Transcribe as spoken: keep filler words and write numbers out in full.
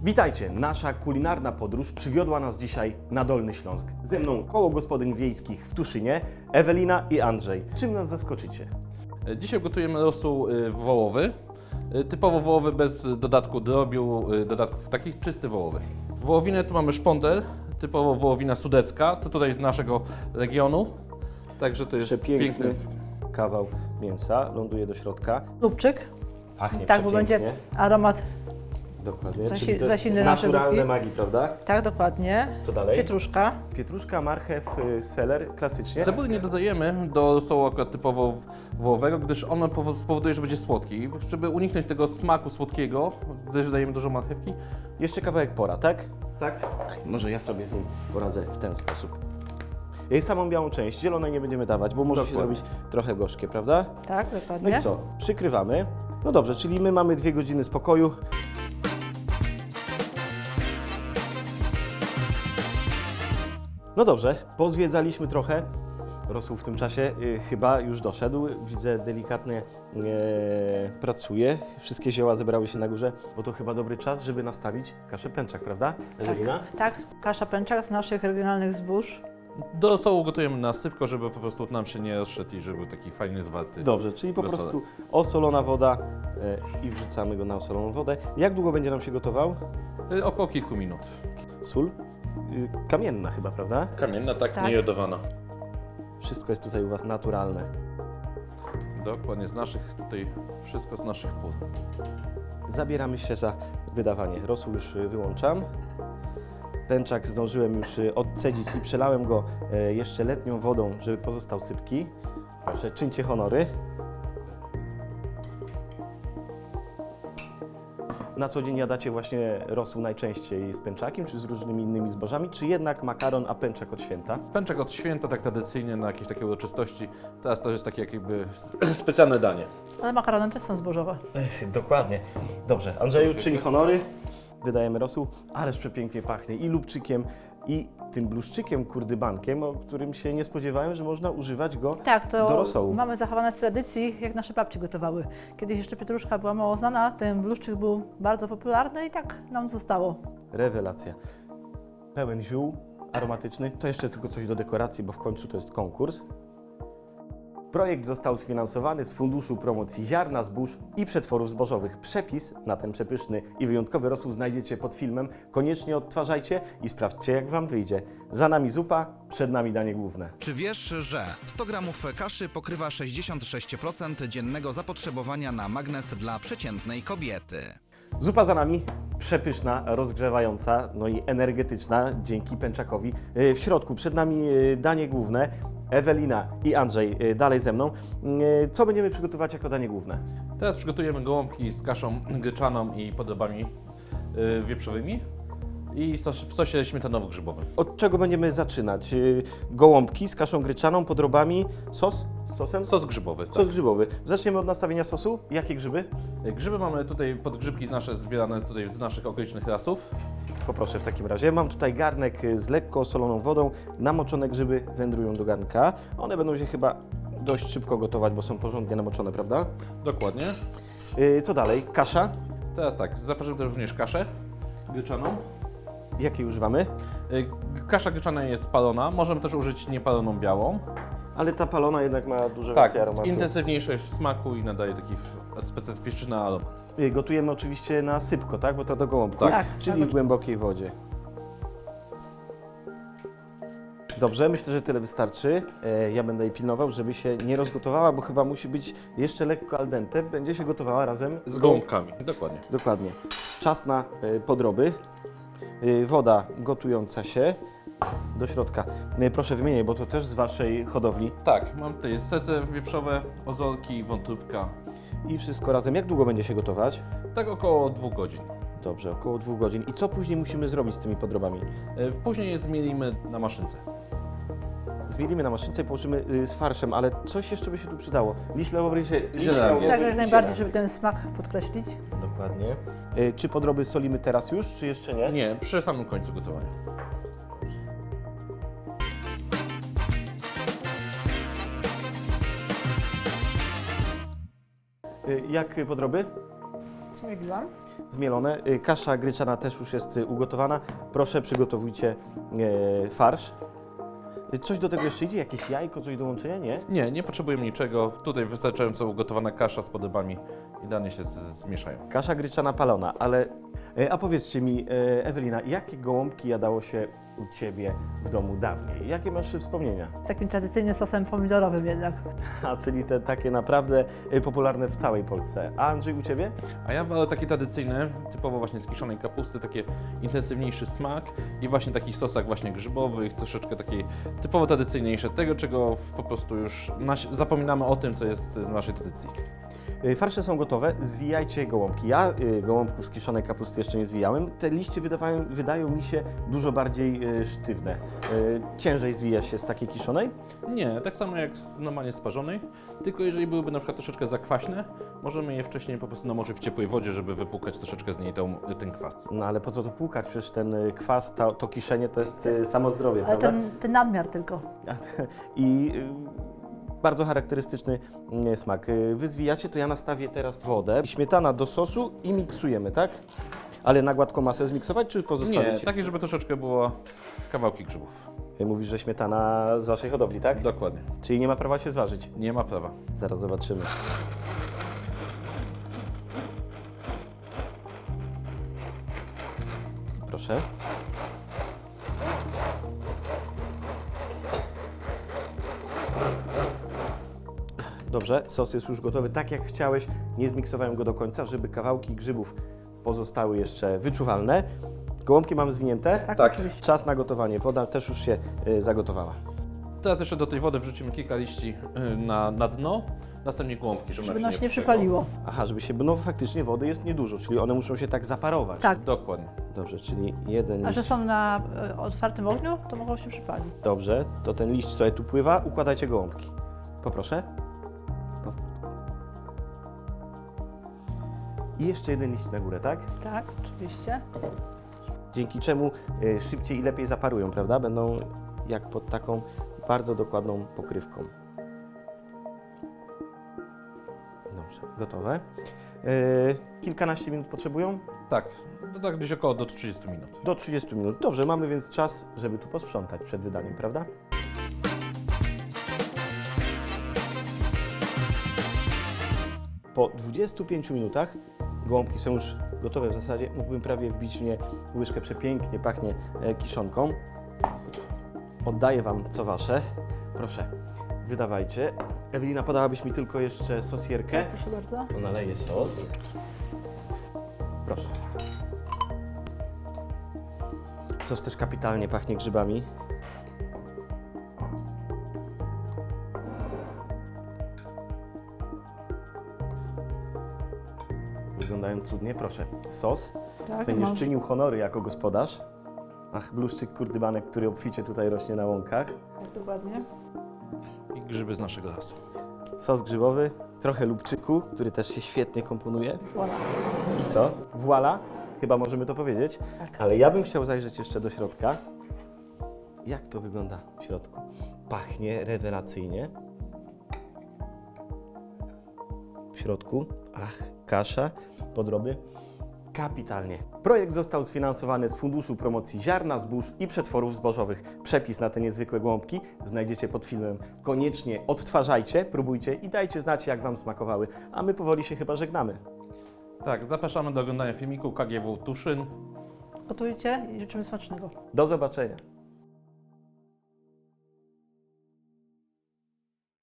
Witajcie! Nasza kulinarna podróż przywiodła nas dzisiaj na Dolny Śląsk. Ze mną koło gospodyń wiejskich w Tuszynie, Ewelina i Andrzej. Czym nas zaskoczycie? Dzisiaj gotujemy rosół y, wołowy, y, typowo wołowy bez dodatku drobiu, y, dodatków takich czysty wołowy. Wołowinę tu mamy szpondel, typowo wołowina sudecka, to tutaj z naszego regionu, także to jest Przepiękny piękny. kawał mięsa, ląduje do środka. Lubczyk, Pachnie tak, bo przepięknie. będzie aromat, Dokładnie, zasi- czyli to jest zasilne nasze naturalne zupki. magii, prawda? tak dokładnie. Co dalej? Pietruszka, Pietruszka, marchew, y, seler, klasycznie. Cebuli nie dodajemy do rosołu akurat typowo wołowego, gdyż on powo- spowoduje, że będzie słodki. Żeby uniknąć tego smaku słodkiego, gdyż dajemy dużo marchewki. Jeszcze kawałek pora, tak? Tak. Tak, może ja sobie z nim poradzę w ten sposób. I samą białą część, zielonej nie będziemy dawać, bo może się Dokładnie. zrobić trochę gorzkie, prawda? tak No dokładnie. i co? Przykrywamy. No dobrze, czyli my mamy dwie godziny spokoju. No dobrze, pozwiedzaliśmy trochę. Rosół w tym czasie y, chyba już doszedł. Widzę, delikatnie e, pracuje. Wszystkie zioła zebrały się na górze, bo to chyba dobry czas, żeby nastawić kaszę pęczak, prawda, Ewelina? Tak, kasza pęczak z naszych regionalnych zbóż. Do rosołu gotujemy na sypko, żeby po prostu nam się nie rozszedł i żeby był taki fajny, zwarty. Dobrze, czyli po Wesołe. prostu osolona woda e, i wrzucamy go na osoloną wodę. Jak długo będzie nam się gotował? Y, Około kilku minut. Sól? Y, kamienna chyba, prawda? Kamienna, tak, Tak. nie jodowana. Wszystko jest tutaj u Was naturalne. Dokładnie, z naszych tutaj, wszystko z naszych pól. Zabieramy się za wydawanie. Rosół już y, wyłączam. Pęczak zdążyłem już y, odcedzić i przelałem go e, jeszcze letnią wodą, żeby pozostał sypki. Proszę, czyńcie honory. Na co dzień jadacie właśnie rosół najczęściej z pęczakiem, czy z różnymi innymi zbożami, czy jednak makaron, a pęczak od święta? Pęczek od święta, tak tradycyjnie, na jakieś takie uroczystości. Teraz to jest takie jakby specjalne danie. Ale makarony też są zbożowe. Dokładnie. Dobrze, Andrzeju, czyń honory. Wydajemy rosół, ależ przepięknie pachnie i lubczykiem, i tym bluszczykiem kurdybankiem, o którym się nie spodziewałem, że można używać go Tak, to do rosołu. mamy zachowane z tradycji, jak nasze babci gotowały. Kiedyś jeszcze pietruszka była mało znana, ten bluszczyk był bardzo popularny i tak nam zostało. Rewelacja. Pełen ziół aromatyczny. To jeszcze tylko coś do dekoracji, bo w końcu to jest konkurs. Projekt został sfinansowany z Funduszu Promocji Ziarna, Zbóż i Przetworów Zbożowych. Przepis na ten przepyszny i wyjątkowy rosół znajdziecie pod filmem. Koniecznie odtwarzajcie i sprawdźcie, jak Wam wyjdzie. Za nami zupa, przed nami danie główne. Czy wiesz, że sto gramów kaszy pokrywa sześćdziesiąt sześć procent dziennego zapotrzebowania na magnez dla przeciętnej kobiety? Zupa za nami, przepyszna, rozgrzewająca, no i energetyczna dzięki pęczakowi. Yy, W środku przed nami yy, danie główne. Ewelina i Andrzej yy, dalej ze mną. Yy, Co będziemy przygotować jako danie główne? Teraz przygotujemy gołąbki z kaszą gryczaną i podobami y, wieprzowymi i sos, w sosie śmietanowo-grzybowym. Od czego będziemy zaczynać? Yy, Gołąbki z kaszą gryczaną, podrobami, sos z sosem? Sos grzybowy. Sos grzybowy. Zaczniemy od nastawienia sosu. Jakie grzyby? Tak. Grzyby mamy tutaj, podgrzybki nasze zbierane tutaj z naszych okolicznych lasów. Poproszę w takim razie. Mam tutaj garnek z lekko osoloną wodą. Namoczone grzyby wędrują do garnka. One będą się chyba dość szybko gotować, bo są porządnie namoczone, prawda? Dokładnie. Yy, Co dalej? Kasza. Teraz tak, zapraszamy również kaszę gryczaną. Jakiej używamy? Y, Kasza gryczana jest palona, możemy też użyć niepaloną białą. Ale ta palona jednak ma dużo Tak, więcej aromatu. intensywniejsza jest w smaku i nadaje taki f- specyficzny aromat. Y, Gotujemy oczywiście na sypko, tak? Bo to do gołąbków, Tak. czyli Tak. w głębokiej wodzie. Dobrze, myślę, że tyle wystarczy. E, Ja będę jej pilnował, żeby się nie rozgotowała, bo chyba musi być jeszcze lekko al dente. Będzie się gotowała razem Z gołąbkami, dokładnie. Dokładnie. Czas na e, podroby. E, Woda gotująca się do środka. E, Proszę wymieniaj, bo to też z Waszej hodowli. Tak, mam tutaj sece wieprzowe, ozolki, wątróbka. I wszystko razem. Jak długo będzie się gotować? Tak około dwóch godzin. Dobrze, około dwóch godzin. I co później musimy zrobić z tymi podrobami? Y, Później je zmielimy na maszynce. Zmielimy na maszynce i położymy y, z farszem, ale coś jeszcze by się tu przydało. Liśle się Zielanie. Tak, jak najbardziej, żeby ten smak podkreślić. Dokładnie. Y, Czy podroby solimy teraz już, czy jeszcze nie? Nie, przy samym końcu gotowania. Y, Jak podroby? Zmieliłam. zmielone. Y, Kasza gryczana też już jest y, ugotowana. Proszę, przygotowujcie y, farsz. Y, Coś do tego jeszcze idzie? Jakieś jajko, coś do łączenia? Nie? Nie, nie potrzebujemy niczego. Tutaj wystarczająco ugotowana kasza z podobami idealnie się z- zmieszają. Kasza gryczana palona, ale... y, A powiedzcie mi, y, Ewelina, jakie gołąbki jadało się u Ciebie w domu dawniej? Jakie masz wspomnienia? Z takim tradycyjnym sosem pomidorowym jednak. A, czyli te takie naprawdę y, popularne w całej Polsce. A Andrzej, u Ciebie? A ja wolę takie tradycyjne, typowo właśnie z kiszonej kapusty, takie intensywniejszy smak i właśnie takich sosach właśnie grzybowych, troszeczkę takiej typowo tradycyjniejsze, tego czego po prostu już nasi, zapominamy o tym, co jest z naszej tradycji. Y, Farsze są gotowe, zwijajcie gołąbki. Ja y, gołąbków z kiszonej kapusty jeszcze nie zwijałem. Te liście wydawają, wydają mi się dużo bardziej y, sztywne. Y, Ciężej zwija się z takiej kiszonej? Nie, tak samo jak z normalnie sparzonej, tylko jeżeli byłyby na przykład troszeczkę zakwaśne, możemy je wcześniej po prostu namoczyć w ciepłej wodzie, żeby wypłukać troszeczkę z niej tą, ten kwas. No ale po co to płukać? Przecież ten y, kwas, to, to kiszenie to jest y, samo zdrowie, Ale prawda? ten, ten nadmiar tylko. I y, bardzo charakterystyczny y, smak. Y, Wy zwijacie, to ja nastawię teraz wodę, śmietana do sosu i miksujemy, tak? Ale na gładką masę zmiksować, czy Nie, pozostawić? takie, żeby troszeczkę było kawałki grzybów. Y, Mówisz, że śmietana z Waszej hodowli, tak? Dokładnie. Czyli nie ma prawa się zważyć. Nie ma prawa. Zaraz zobaczymy. Proszę. Dobrze, sos jest już gotowy tak jak chciałeś. Nie zmiksowałem go do końca, żeby kawałki grzybów pozostały jeszcze wyczuwalne. Gołąbki mamy zwinięte. Tak, Tak. oczywiście. Czas na gotowanie. Woda też już się y, zagotowała. Teraz jeszcze do tej wody wrzucimy kilka liści y, na, na dno, następnie gołąbki, żeby, Żeby nam nas nie przegło. przypaliło. Aha, żeby się, no faktycznie wody jest niedużo, czyli one muszą się tak zaparować. Tak. Dokładnie. Dobrze, czyli jeden A liść. że są na e, otwartym ogniu, to mogą się przypalić. Dobrze, to ten liść, co tu pływa, układajcie gołąbki. Poproszę. Po- I jeszcze jeden liść na górę, tak? Tak, oczywiście. Dzięki czemu y, szybciej i lepiej zaparują, prawda? Będą jak pod taką bardzo dokładną pokrywką. Dobrze, gotowe. Y, kilkanaście minut potrzebują? Tak, to tak gdzieś około do trzydziestu minut. Do trzydziestu minut. Dobrze, mamy więc czas, żeby tu posprzątać przed wydaniem, prawda? Po dwudziestu pięciu minutach gołąbki są już gotowe w zasadzie. Mógłbym prawie wbić w nie łyżkę, przepięknie pachnie e, kiszonką. Oddaję Wam co Wasze. Proszę, wydawajcie. Ewelina, podałabyś mi tylko jeszcze sosierkę. Proszę bardzo. To naleję sos. Proszę. Sos też kapitalnie pachnie grzybami. Wyglądają cudnie. Proszę, sos. Tak, Będziesz mam. czynił honory jako gospodarz. Ach, bluszczyk kurdybanek, który obficie tutaj rośnie na łąkach. Tak, dokładnie. I grzyby z naszego lasu. Sos grzybowy, trochę lubczyku, który też się świetnie komponuje. Voilà. I co? Voila, chyba możemy to powiedzieć. Tak. Ale ja bym chciał zajrzeć jeszcze do środka. Jak to wygląda w środku? Pachnie rewelacyjnie. W środku, ach, kasza, podroby. Kapitalnie. Projekt został sfinansowany z Funduszu Promocji Ziarna, Zbóż i Przetworów Zbożowych. Przepis na te niezwykłe gołąbki znajdziecie pod filmem. Koniecznie odtwarzajcie, próbujcie i dajcie znać, jak Wam smakowały. A my powoli się chyba żegnamy. Tak, zapraszamy do oglądania filmiku K G W Tuszyn. Gotujcie i życzymy smacznego. Do zobaczenia.